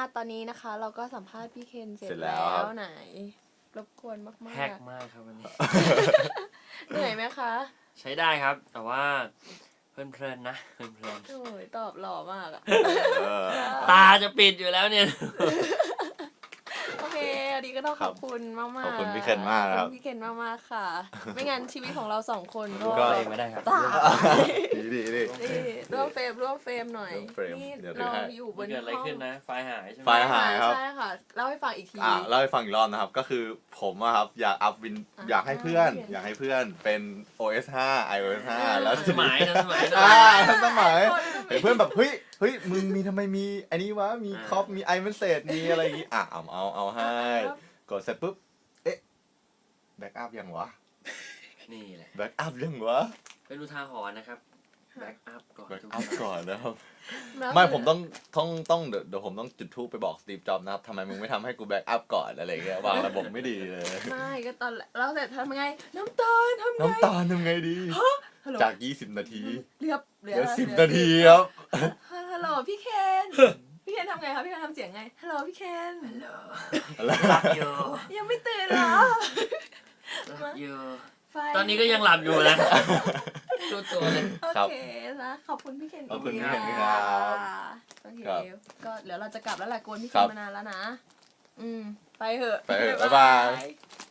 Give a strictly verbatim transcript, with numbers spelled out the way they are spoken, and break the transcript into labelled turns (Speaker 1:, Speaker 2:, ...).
Speaker 1: ตอนนี้นะคะ เราก็สัมภาษณ์พี่เคนเสร็จ
Speaker 2: เสร็จแล้
Speaker 1: แล้ว
Speaker 2: ครับ
Speaker 1: ไหน รบกวนมาก
Speaker 3: แฮกมากครับวันนี้
Speaker 1: ๆเหนื่อยไหมคะ
Speaker 3: ใช้ได้ครับ แต่ว่าเพลินๆนะเพลิน
Speaker 1: โอ้ยตอบหล่อมากอะ
Speaker 2: เออ
Speaker 3: ๆตาจะปิดอยู่แล้วเนี่ย
Speaker 1: โอเคอันนี้ก็ต้องขอบคุณมากๆ
Speaker 2: ขอบคุณพี่เคนมากนะครับ
Speaker 1: ขอบคุณพี่เคนมากๆค่ะ ไม่งั้นชีวิตของเราสองคน
Speaker 3: ก็
Speaker 1: ก็
Speaker 3: เองไม่ได้ครับ
Speaker 1: ตาย
Speaker 2: ดีดีดี
Speaker 1: นี่ร่วมเฟรมร่วมเฟรมหน่อย
Speaker 2: ร่วมเฟรม
Speaker 1: นี่
Speaker 2: เดี๋ยวถือ
Speaker 1: เรา
Speaker 2: ให้
Speaker 1: อยู่บ
Speaker 3: มัน
Speaker 1: น
Speaker 3: เกิดอะไร
Speaker 1: ห้อง
Speaker 3: ขึ้นนะ ไฟล์หายใช่ไหม
Speaker 2: ไฟล์หายครับ
Speaker 1: ใช่ค่ะเล่าให้ฟังอีกที
Speaker 2: อ่าเล่าให้ฟังอีกรอบนะครับ ก็คือผมอะครับอยากอัพวิน
Speaker 1: อ่า
Speaker 2: อยากให้เพื่อน
Speaker 1: โอเค
Speaker 2: อยากให้เพื่อนเป็น โอ เอส ห้า ไอ โอ เอส ห้า
Speaker 1: อ่า
Speaker 2: แล้ว
Speaker 3: สมัยนะสมัย
Speaker 2: อ่าทันสมัย
Speaker 1: คน
Speaker 2: เห็นเพื่อนแบบเฮ้ยเฮ้ยมึงมีทำไมมีอันนี้วะมี
Speaker 3: อ่า
Speaker 2: คอปมีไอเมนเซจมีอะไรอย่างงี้อ่ะเอาเอาเอาให้กดเสร็จปุ๊บเอ๊ะแบ็กอัพยังวะ
Speaker 3: นี่แหละ
Speaker 2: แบ็กอัพยังวะ
Speaker 3: เป็นอุทาหรณ์นะครับ แบ็กอัพก่อน
Speaker 2: แบ็ก
Speaker 3: ทุก
Speaker 2: อัพ
Speaker 3: ครั้ง
Speaker 2: ก่อนนะครับ
Speaker 1: แล้ว
Speaker 2: ไม่ผมต้องต้องต้องเดี๋ยวเดี๋ยวผมต้องจุดทูปไปบอกสตีฟจ็อบส์นะครับทำไมมึงไม่ทำให้กูแบ็กอัพก่อนอะไรเงี้ยวางระบบไม่ดีเลย
Speaker 1: ไม่ก็ตอนเราเสร็จทำไงน้ำตาลทำไง
Speaker 2: น้ำตาลทำไงดี
Speaker 1: ฮัลโหล
Speaker 2: จาก ยี่สิบ นาที
Speaker 1: เหลือเหลื
Speaker 2: เหลือ
Speaker 1: อ
Speaker 2: สิบ
Speaker 1: เหลือ
Speaker 2: นาทีครับ
Speaker 1: ฮัลโหลพี่เคน พี่เคนทำไงคะพี่เคนทำเสียงไงฮัลโหลพี่เคน
Speaker 3: หลับอยู่
Speaker 1: ยังไม่ตื่นเหรอ
Speaker 3: หลับอยู่
Speaker 1: ไฟ
Speaker 3: ตอนนี้ก็ยังหลับอยู่นะดูตัวเลย
Speaker 1: โอ
Speaker 2: ครับ
Speaker 1: เคนะขอบคุณพี่เคน
Speaker 2: ขอบคุณ
Speaker 1: ก
Speaker 2: พี่เคน
Speaker 1: ที
Speaker 2: ครับ
Speaker 1: โอเค
Speaker 2: ครับ
Speaker 1: ก็เดี๋ยวเราจะกลับแล้วแหละกวนพี่
Speaker 2: ค
Speaker 1: เครับ นมานานแล้วนะ อืมไปเถอะ
Speaker 2: ไปเถอะบ๊ายบาย
Speaker 1: บ๊าย